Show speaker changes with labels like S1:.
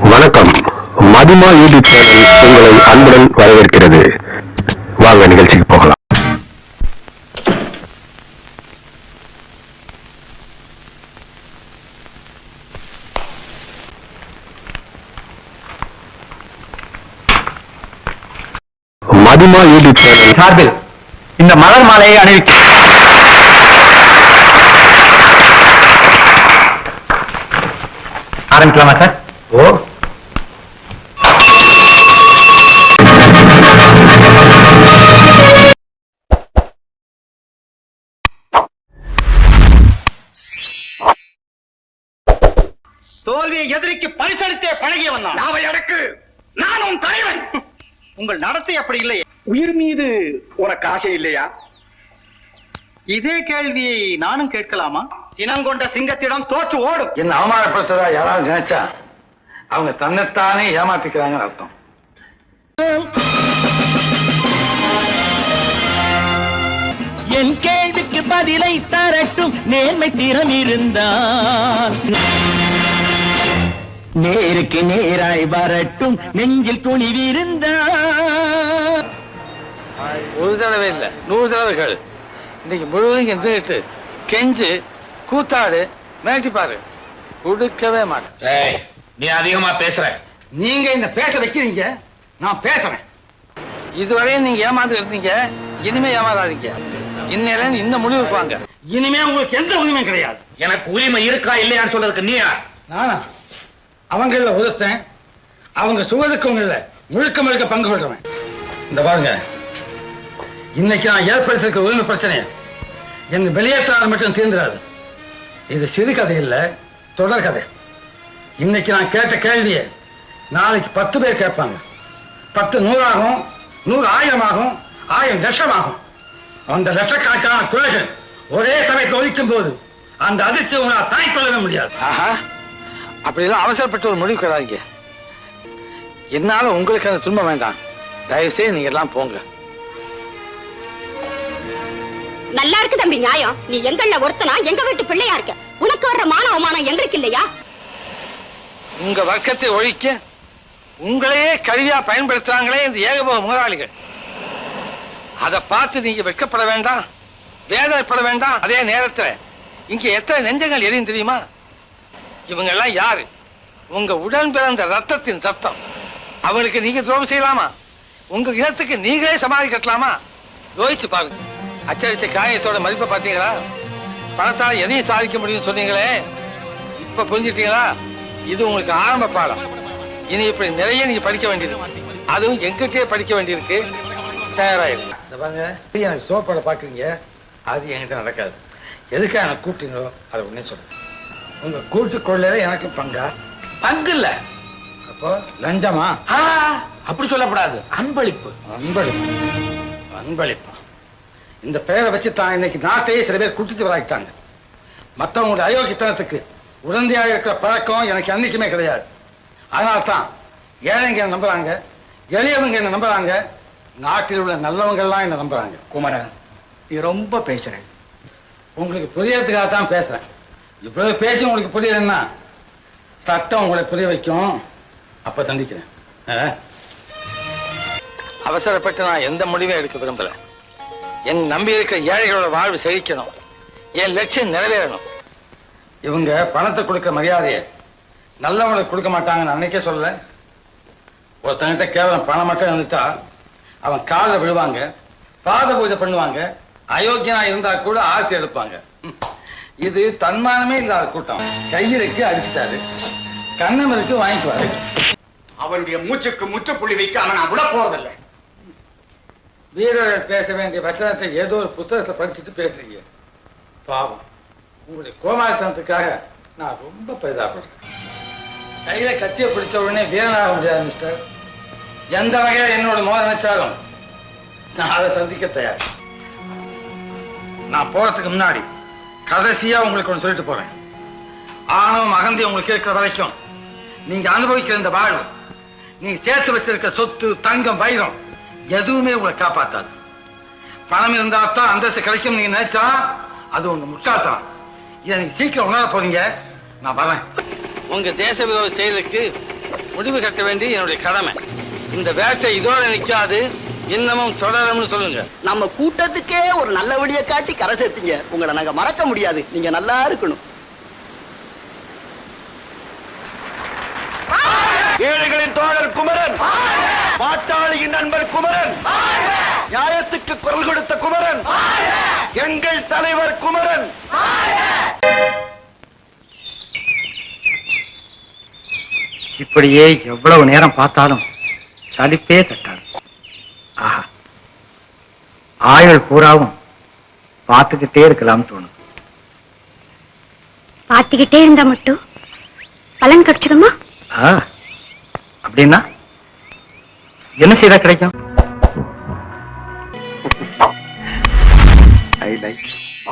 S1: வணக்கம். மதிமா யூடியூப் உங்களை அன்புடன் வரவேற்கிறது. வாங்க நிகழ்ச்சிக்கு போகலாம். மதிமா யூடியூப்
S2: சார்பில் இந்த மலர் மாலையை அணிவிக்க ஆரம்பிக்கலாமா சார்? ஓ, தோல்வியை எதிரிக்கு பரிசளித்தே பழகியவன் நான். நாவை அடக்கு, நானும் தலைவன். உங்கள் நடத்தை அப்படி இல்லையே. உயிர் மீது உனக்கு ஆசை இல்லையா? இதே கேள்வியை நானும் கேட்கலாமா? இனங்கொண்ட சிங்கத்திடம் தோற்று ஓடும்.
S3: என்ன அவமானப்படுத்துறதா யாராவது நினைச்சா அவங்க தன்னைத்தானே ஏமாத்திக்கிறாங்கன்னு அர்த்தம்.
S4: என் கேள்விக்கு பதிலை தரட்டும் நேர்மை திறம் இருந்தால் நேருக்கு நேராய் வரட்டும் நெஞ்சில் துணிவிருந்தால்.
S3: ஒரு தடவை இல்ல 100 தடவைகள் இன்னைக்கு முழுவதும் இருந்துட்டு கெஞ்சு கூத்தாடு மிரட்டி பாரு, கொடுக்கவே மாட்டேன்.
S2: நீ அதிகமா பேசுற.
S3: நீங்க இந்த பேச வைக்கிறீங்க, நான் பேசுறேன். இதுவரையும் நீங்க ஏமாந்து இருந்தீங்க, இனிமே ஏமாறாதீங்க. இன்னையில இந்த முடிவுக்கு வாங்க. இனிமே உங்களுக்கு எந்த உரிமையும் கிடையாது.
S2: எனக்கு உரிமை இருக்கா இல்லையான்னு சொல்றதுக்கு நீயா?
S3: நானா அவங்கள உதத்தேன், அவங்க சுகதுக்கங்கள்ல முழுக்க முழுக்க பங்கு கொள்றவன். இந்த பாருங்க, இன்னைக்கு நான் ஏற்படுத்திருக்க உரிமை பிரச்சனையை என் வெளியேற்றாளர் மட்டும் தீர்ந்துடாது. இது சிறுகதை இல்ல, தொடர் கதை. இன்னைக்கு நான் கேட்ட கேள்வியை நாளைக்கு 10 பேர் கேட்பாங்க. 10 100 ஆகும், 100 1000 ஆகும், 1000 லட்சம் ஆகும். அந்த லட்சக்கணக்கான குறைகள் ஒரே சமயத்தில் ஒழிக்கும் போது அந்த அதிர்ச்சி உங்களால் தாங்கிக் கொள்ளவே முடியாது. அப்படியெல்லாம் அவசரப்பட்டு ஒரு முடிவு கிடையாதுங்க. என்னால உங்களுக்கு அந்த துன்பம் வேண்டாம். தயவு செய்து நீங்க எல்லாம் போங்க.
S5: நல்லா இருக்கு தம்பி நியாயம். நீ எங்கள ஒருத்தனா எங்க வீட்டு பிள்ளையா இருக்க. உனக்கு வர்ற மான அவமானம் எங்களுக்கு இல்லையா?
S3: உங்க வர்க்கத்தை ஒழிக்க உங்களையே கருவியா பயன்படுத்துறாங்களே இந்த ஏகபோக முதலாளிகள். அதை பார்த்து நீங்க வெட்கப்பட வேண்டாம், வேதனைப்பட வேண்டாம். அதே நேரத்தில் இங்க எத்தனை நெஞ்சங்கள் எரியும் தெரியுமா? இவங்க எல்லாம் யாரு? உங்க உடன் பிறந்த ரத்தத்தின் ரத்தம். அவங்களுக்கு நீங்க துரோகம் செய்யலாமா? உங்க இனத்துக்கு நீங்களே சமாளி கட்டலாமா? யோசிச்சு பாருங்க. அச்சடித்த காயத்தோட மதிப்பை பார்த்தீங்களா? பணத்தால் எதையும் சாதிக்க முடியும்னு சொன்னீங்களே, இப்ப புரிஞ்சுட்டீங்களா? இது உங்களுக்கு ஆரம்ப பாடம். இனி இப்படி நிறைய நீங்க படிக்க வேண்டியது, அதுவும் எங்கிட்டே படிக்க வேண்டியிருக்கு. தயாராயிருக்கு. பாருங்க, எனக்கு சோப்பாட பாக்குறீங்க, அது என்கிட்ட நடக்காது. எதுக்காக எனக்கு கூப்பிட்டீங்களோ அதை உடனே சொல்லுங்க. உங்க கூட்டு கொள்ளையில எனக்கு பங்கா?
S2: பங்கு இல்ல.
S3: அப்போ லஞ்சமா?
S2: அப்படி சொல்லக்கூடாது. அன்பளிப்பு.
S3: அன்பளிப்பு, அன்பளிப்பு. இந்த பெயரை வச்சு தான் இன்னைக்கு நாட்டையே சில பேர் குட்டிச்சு வராக்கிட்டாங்க. மற்றவங்களுடைய அயோக்கியத்தனத்துக்கு உடந்தையாக இருக்கிற பழக்கம் எனக்கு அன்னைக்குமே கிடையாது. அதனால தான் ஏழைங்க என்ன நம்புறாங்க, எளியவங்க என்ன நம்புறாங்க, நாட்டில் உள்ள நல்லவங்கள்லாம் என்ன நம்புறாங்க.
S2: குமரன், நீ ரொம்ப பேசுறேன்.
S3: உங்களுக்கு புரியறதுக்காக தான் பேசுறேன். இவ்வளவு பேசி உங்களுக்கு புரியலன்னா சட்டம் உங்களை புரிய வைக்கும். அப்ப சந்திக்கிறேன். அவசரப்பட்டு நான் எந்த முடிவும் எடுக்க விரும்பல. என் நம்பி இருக்கிற ஏழைகளோட வாழ்வு செழிக்கணும், என் லட்சியம் நிறைவேறணும். இவங்க பணத்தை கொடுக்க மரியாதையை நல்லவங்களுக்கு கொடுக்க மாட்டாங்கன்னு அன்னைக்கே சொல்ல. ஒருத்தங்கிட்ட கேவலம் பணம் மட்டும் இருந்துட்டா அவன் காலில் விழுவாங்க, பாத பூஜை பண்ணுவாங்க, அயோக்கியனா இருந்தா கூட ஆர்த்தி எடுப்பாங்க. இது தன்மானமே இல்லாத கூட்டம். கையிலுக்கு அடிச்சுட்டாரு, கண்ணமருக்கு வாங்கிக்குவாரு.
S2: அவருடைய மூச்சுக்கு முற்றுப்புள்ளி வைக்க அவன் நான் விட போறதில்லை.
S3: வீரர்கள் பேச வேண்டிய வச்சனத்தை ஏதோ ஒரு புத்தகத்தை படிச்சுட்டு பேசுறீங்க. பாவம், உங்களுடைய கோமாளித்தனத்துக்காக நான் ரொம்ப பரிதாபப்படுறேன். கையில கத்திய பிடிச்ச உடனே வீரனாக முடியாது மிஸ்டர். எந்த வகையில என்னோட மோத நினைச்சாலும் நான் அதை சந்திக்க தயார். நான் போறதுக்கு முன்னாடி கடைசியா உங்களுக்கு ஒன்று சொல்லிட்டு போறேன். ஆணவம் அகந்தி உங்களுக்கு இருக்கிற வரைக்கும் நீங்க அனுபவிக்கிற இந்த வாழ்வு, நீங்க சேர்த்து வச்சிருக்க சொத்து, தங்கம், வைரம் எதுவுமே உங்களை காப்பாத்தாது. பணம் இருந்தா தான் அந்தஸ்து கிடைக்கும் நீங்க நினைச்சா அது உங்க முட்டாள்தான். இதை நீங்க சீக்கிரம் உணர போறீங்க. நான் வரேன். உங்க தேச விரோத செயலுக்கு முடிவு கட்ட வேண்டிய என்னுடைய கடமை. இந்த வேட்டை இதோட நிக்காது, இன்னமும் தொடரும்னு சொல்லுங்க.
S2: நம்ம கூட்டத்துக்கே ஒரு நல்ல வழியை காட்டி கரை சேர்த்தீங்க. உங்களை நாங்க மறக்க முடியாது. நீங்க நல்லா இருக்கணும். ஏழைகளின் தோழர் குமரன், பாட்டாளியின் நண்பர் குமரன், நியாயத்துக்கு குரல் கொடுத்த குமரன், எங்கள் தலைவர் குமரன்.
S6: இப்படியே எவ்வளவு நேரம் பார்த்தாலும் சலிப்பே தட்டாது. ஆஹா, ஆயுள் பூராவும் பார்த்துக்கிட்டே இருக்கலாம் தோணும்.
S5: பார்த்துக்கிட்டே இருந்தா மட்டும் பலன் கிடைச்சிடுமா?
S6: அப்படின்னா என்ன செய்தா கிடைக்கும்?
S1: I like